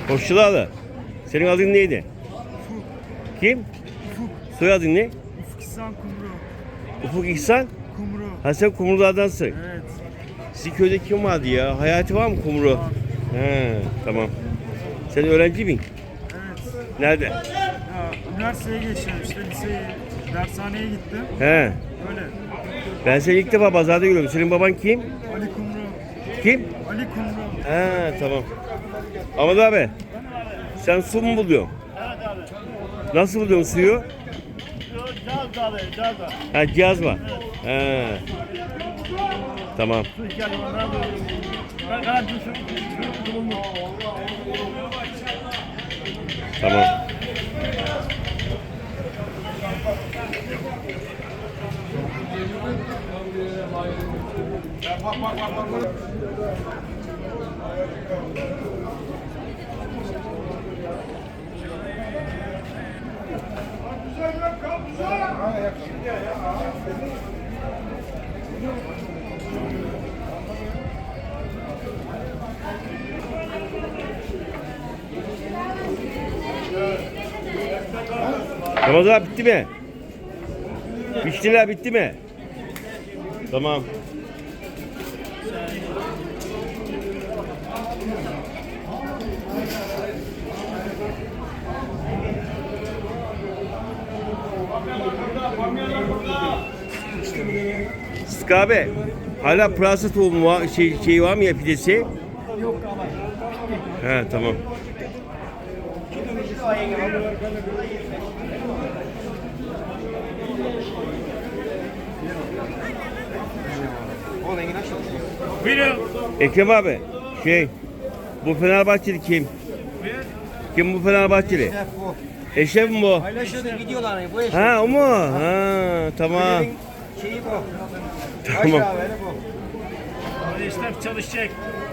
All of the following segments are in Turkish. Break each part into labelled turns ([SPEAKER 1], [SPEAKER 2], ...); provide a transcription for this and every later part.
[SPEAKER 1] Hoşçakalın. Senin adın neydi?
[SPEAKER 2] Ufuk.
[SPEAKER 1] Kim?
[SPEAKER 2] Ufuk.
[SPEAKER 1] Soyadın ne?
[SPEAKER 2] Ufuk İhsan Kumru.
[SPEAKER 1] Ufuk İhsan.
[SPEAKER 2] Kumru.
[SPEAKER 1] Ha sen Kumrulardansın.
[SPEAKER 2] Evet.
[SPEAKER 1] Sizin köyde kim vardı ya? Hayati var mı Kumru?
[SPEAKER 2] Var.
[SPEAKER 1] He, tamam. Sen öğrenci misin?
[SPEAKER 2] Evet.
[SPEAKER 1] Nerede?
[SPEAKER 2] Ya üniversiteye geçiyorum işte liseyi, dershaneye gittim.
[SPEAKER 1] He.
[SPEAKER 2] Öyle.
[SPEAKER 1] Ben seni ilk defa pazarda görüyorum. Senin baban kim?
[SPEAKER 2] Ali Kumru.
[SPEAKER 1] Kim?
[SPEAKER 2] Ali Kumru.
[SPEAKER 1] He, tamam. Ahmet abi, sen su mu buluyorsun?
[SPEAKER 3] Evet abi.
[SPEAKER 1] Nasıl buluyorsun suyu?
[SPEAKER 3] Cihaz abi, cihaz var.
[SPEAKER 1] Ha, cihaz var. He. Tamam.
[SPEAKER 3] Su ihtiyacı var. Ben garanti şu bulundu.
[SPEAKER 1] Tamam. Ramazan bitti mi? Piştiler bitti mi? Tamam. Sıtkı abi, hala pırasa tohumu var, şey var mı ya pidesi?
[SPEAKER 2] Yok ama.
[SPEAKER 1] He, tamam.
[SPEAKER 3] Buyurun.
[SPEAKER 1] Ekrem abi, bu Fenerbahçeli kim? Kim bu Fenerbahçeli?
[SPEAKER 4] Bu.
[SPEAKER 1] Eşref mi bu?
[SPEAKER 4] Paylaşıyordu gidiyorlar hani bu eş.
[SPEAKER 1] Ha, o mu? Ha, tamam.
[SPEAKER 4] Kulübün şeyi bu.
[SPEAKER 1] Tamam.
[SPEAKER 4] Aşağı bu.
[SPEAKER 3] Abi işler çalışacak.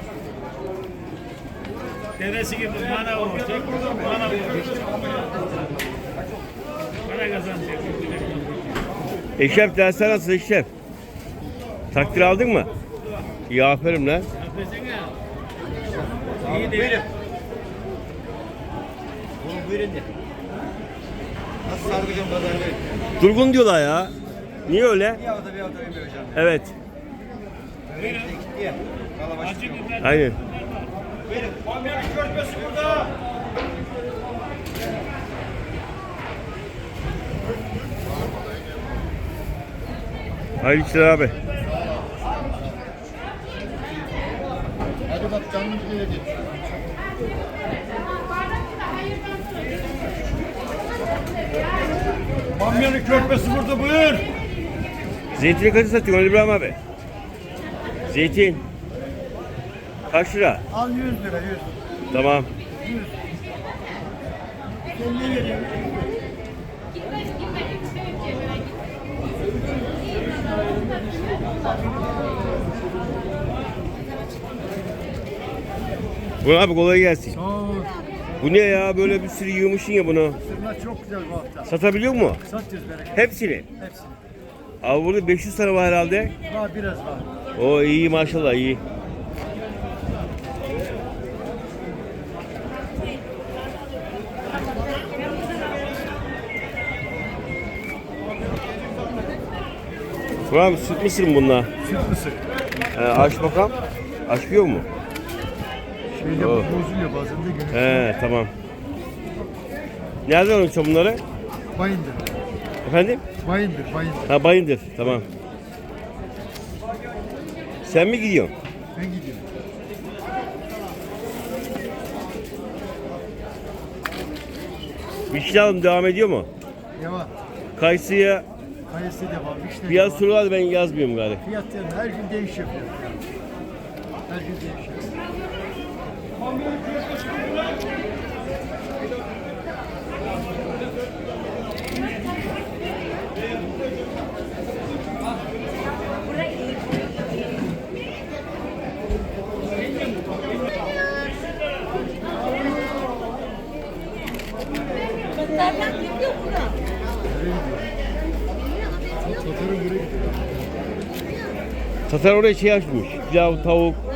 [SPEAKER 3] Dedesi gibi bana olacak. Bana olacak. Para kazanacak.
[SPEAKER 1] Eşref dersler nasıl Eşref? Takdir aldın mı? İyi, aferin lan.
[SPEAKER 3] İyi değil.
[SPEAKER 4] Bunu buyurun de. Nasıl sargıcım kazanıyor?
[SPEAKER 1] Durgun diyorlar ya. Niye öyle?
[SPEAKER 4] Bir hafta vermiyor hocam.
[SPEAKER 1] Evet.
[SPEAKER 4] Öyle işte gitti ya. Kalabaş.
[SPEAKER 3] Acı biber.
[SPEAKER 1] Aynen.
[SPEAKER 4] Buyurun. Bamyanın körpesi burada.
[SPEAKER 1] Hayırlı işler abi.
[SPEAKER 2] Hadi bak canım gelecek.
[SPEAKER 3] Bamyanın körpesi burada buyur.
[SPEAKER 1] Zeytini kaça satıyorsun Ali İbrahim abi? Zeytin. Kaç lira?
[SPEAKER 2] Al 100 lira 100.
[SPEAKER 1] Tamam.
[SPEAKER 2] Kendine geliyor.
[SPEAKER 1] Bu abi kolay gelsin.
[SPEAKER 2] Sağ ol.
[SPEAKER 1] Bu ne ya, böyle bir sürü yığmışsın ya bunu.
[SPEAKER 2] Sırlar çok güzel bu hafta.
[SPEAKER 1] Satabiliyor mu?
[SPEAKER 2] Satıyoruz bereket.
[SPEAKER 1] Hepsini.
[SPEAKER 2] Hepsini.
[SPEAKER 1] Abi burada 500 tane var herhalde.
[SPEAKER 2] Var biraz var.
[SPEAKER 1] O iyi maşallah, iyi. Bu abi süt mısır mı bunlar?
[SPEAKER 2] Süt mısır.
[SPEAKER 1] Aç bakalım. Açmıyor mu?
[SPEAKER 2] Şeyde
[SPEAKER 1] Oh.
[SPEAKER 2] bozuluyor bazen de günü.
[SPEAKER 1] He, tamam. Nereden alıyorsun bunları?
[SPEAKER 2] Bayındır.
[SPEAKER 1] Efendim?
[SPEAKER 2] Bayındır. Bayındır.
[SPEAKER 1] Ha, Bayındır. Tamam. Sen mi gidiyorsun?
[SPEAKER 2] Ben gidiyorum.
[SPEAKER 1] Vişne alım devam ediyor mu?
[SPEAKER 2] Devam.
[SPEAKER 1] Kayısıya
[SPEAKER 2] Kayısı devam. Vişne
[SPEAKER 1] fiyat
[SPEAKER 2] devam.
[SPEAKER 1] sorular, ben yazmıyorum galiba.
[SPEAKER 2] Fiyat yani her gün değişiyor fiyat. Her gün değişiyor.
[SPEAKER 5] Nereden gidiyor bura?
[SPEAKER 1] Tatar oraya şey açmış. Pilav, tavuk,